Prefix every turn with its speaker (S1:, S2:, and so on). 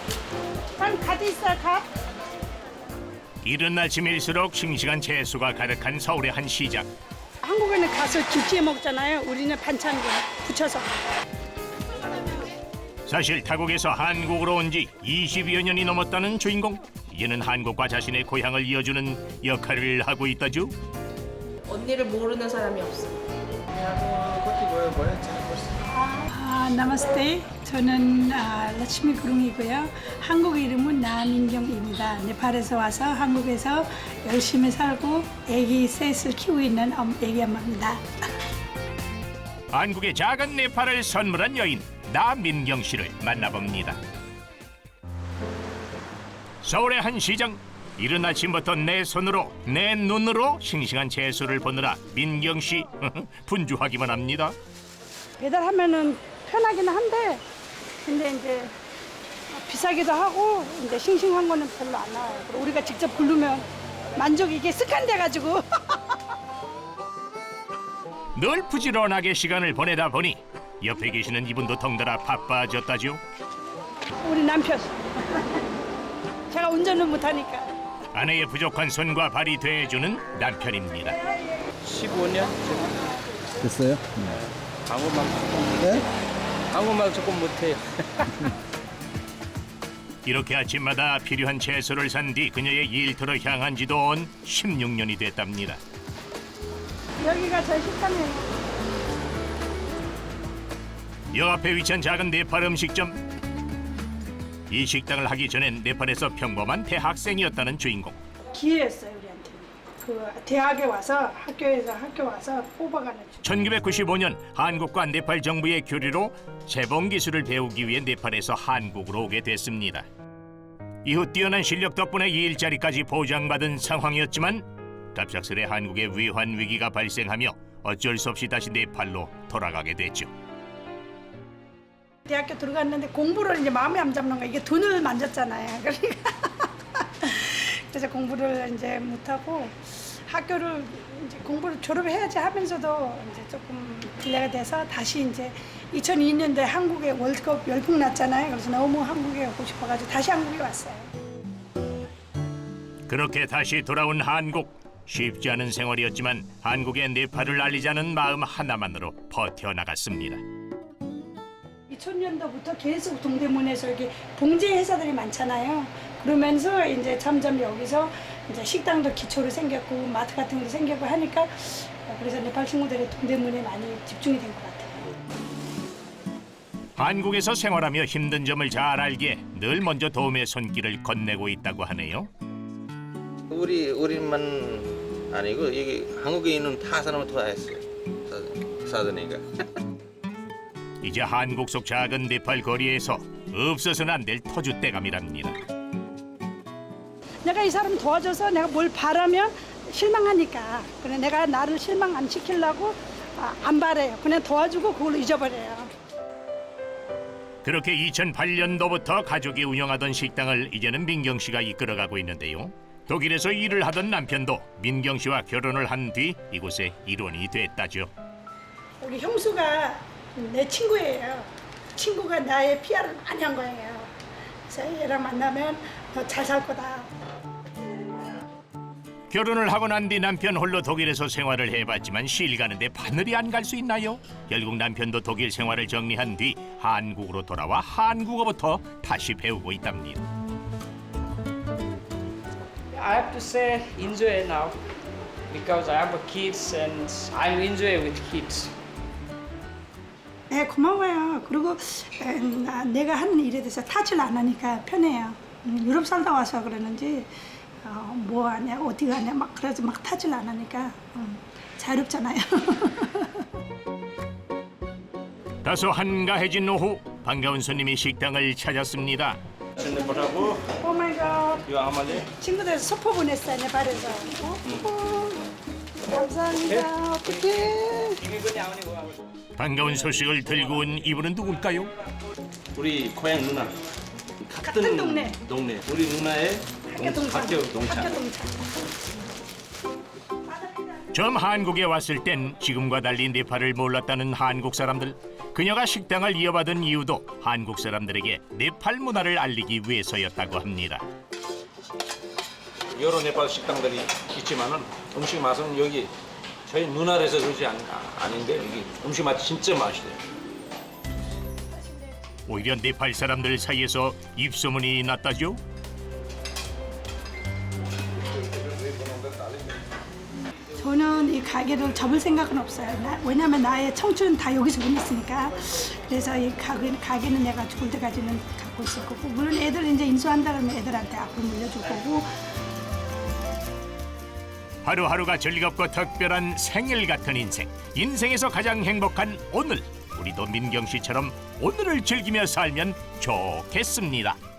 S1: 갓 있어요, 갓?
S2: 이른 아침일수록 싱싱한 채소가 가득한 서울의 한 시장.
S1: 한국에는 가서 김치에 먹잖아요. 우리는 반찬 붙여서.
S2: 사실 타국에서 한국으로 온 지 20여 년이 넘었다는 주인공. 이제는 한국과 자신의 고향을 이어주는 역할을 하고 있다죠.
S3: 언니를 모르는 사람이 없어.
S1: 나마스테. 저는 라치미 구룽이고요. 한국 이름은 나민경입니다. 네팔에서 와서 한국에서 열심히 살고 아기 셋을 키우고 있는 아기 엄마입니다.
S2: 한국의 작은 네팔을 선물한 여인 나민경 씨를 만나봅니다. 서울의 한 시장. 이른 아침부터 내 손으로 내 눈으로 싱싱한 채소를 보느라 민경 씨 분주하기만 합니다.
S1: 배달하면은 편하긴 한데 근데 이제 비싸기도 하고 이제 싱싱한 거는 별로 안 나와요. 그리고 우리가 직접 부르면 만족이 이게 습관돼 가지고
S2: 늘 부지런하게 시간을 보내다 보니 옆에 계시는 이분도 덩달아 바빠졌다죠.
S1: 우리 남편 제가 운전을 못하니까
S2: 아내의 부족한 손과 발이 돼주는 남편입니다.
S4: 15년?
S5: 됐어요?
S4: 한국말 조금,
S5: 네?
S4: 한국말 조금 못해요.
S2: 이렇게 아침마다 필요한 채소를 산 뒤 그녀의 일터로 향한 지도 온 16년이 됐답니다.
S1: 여기가 저희 식당이에요.
S2: 여 앞에 위치한 작은 네팔 음식점. 이 식당을 하기 전엔 네팔에서 평범한 대학생이었다는 주인공.
S1: 기회였어요 우리한테. 그 대학에 와서 학교 와서 뽑아가는.
S2: 1995년 한국과 네팔 정부의 교류로 재봉 기술을 배우기 위해 네팔에서 한국으로 오게 됐습니다. 이후 뛰어난 실력 덕분에 일자리까지 보장받은 상황이었지만 갑작스레 한국에 위환 위기가 발생하며 어쩔 수 없이 다시 네팔로 돌아가게 됐죠.
S1: 대학교 들어갔는데 공부를 이제 마음에 안 잡는 거야. 이게 돈을 만졌잖아요. 그러니까 그래서 공부를 이제 못하고 학교를 이제 공부를 졸업해야지 하면서도 이제 조금 딜레이가 돼서 다시 이제 2002년도에 한국에 월드컵 열풍 났잖아요. 그래서 너무 한국에 오고 싶어가지고 다시 한국에 왔어요.
S2: 그렇게 다시 돌아온 한국. 쉽지 않은 생활이었지만 한국의 네팔을 알리자는 마음 하나만으로 버텨나갔습니다.
S1: 2000년도부터 계속 동대문에서 이렇게 봉제 회사들이 많잖아요. 그러면서 이제 점점 여기서 이제 식당도 기초로 생겼고 마트 같은 것도 생겼고 하니까 그래서 네팔 친구들이 동대문에 많이 집중이 된 것 같아요.
S2: 한국에서 생활하며 힘든 점을 잘 알기에 늘 먼저 도움의 손길을 건네고 있다고 하네요.
S4: 우리만 아니고 여기 한국에 있는 다 사람은 다 했어요. 사드니까.
S2: 이제 한국 속 작은 네팔 거리에서 없어서는 안 될 터줏대감이랍니다.
S1: 내가 이 사람 도와줘서 내가 뭘 바라면 실망하니까 그래 내가 나를 실망 안 시키려고 안 바래요. 그냥 도와주고 그걸 잊어버려요.
S2: 그렇게 2008년도부터 가족이 운영하던 식당을 이제는 민경 씨가 이끌어가고 있는데요. 독일에서 일을 하던 남편도 민경 씨와 결혼을 한 뒤 이곳에 일원이 됐다죠.
S1: 우리 형수가 내 친구예요. 친구가 나의 PR을 많이 한 거예요. 그래서 얘랑 만나면 너 잘 살 거다.
S2: 결혼을 하고 난 뒤 남편 홀로 독일에서 생활을 해봤지만 실 가는데 바늘이 안 갈 수 있나요? 결국 남편도 독일 생활을 정리한 뒤 한국으로 돌아와 한국어부터 다시 배우고 있답니다.
S6: I have to say enjoy now because I have kids and I enjoy with kids.
S1: 네, 고마워요. 그리고 내가 하는 일에 대해서 타질 안 하니까 편해요. 유럽 살다 와서 그러는지 뭐 하냐, 어디 가냐 막 그래서 막 타질 안 하니까 자유롭잖아요.
S2: 다소 한가해진 오후 반가운 손님이 식당을 찾았습니다.
S4: 뭐라고?
S1: 오 마이 갓.
S4: 이거 아마리?
S1: 친구들 소포 보냈어요, 네팔에서. 감사합니다. 어떡해.
S4: 이게 그냥 아니고.
S2: 반가운 소식을 들고 온 이분은 누굴까요?
S4: 우리 고향 누나.
S1: 같은 동네.
S4: 우리 누나의
S1: 학교 동창.
S2: 처음 한국에 왔을 땐 지금과 달리 네팔을 몰랐다는 한국 사람들. 그녀가 식당을 이어받은 이유도 한국 사람들에게 네팔 문화를 알리기 위해서였다고 합니다.
S7: 여러 네팔 식당들이 있지만은 음식 맛은 여기 저희 누나라에서 그러지 아닌데 여기 음식 맛이 진짜 맛있어요.
S2: 오히려 네팔 사람들 사이에서 입소문이 났다죠.
S1: 저는 이 가게를 접을 생각은 없어요. 왜냐하면 나의 청춘은 다 여기서 보냈으니까. 그래서 이 가게는 내가 죽을 때까지는 갖고 있을 거고, 물론 애들 이제 인수한다 그러면 애들한테 앞으로 물려줄 거고.
S2: 하루하루가 즐겁고 특별한 생일 같은 인생. 인생에서 가장 행복한 오늘. 우리도 민경 씨처럼 오늘을 즐기며 살면 좋겠습니다.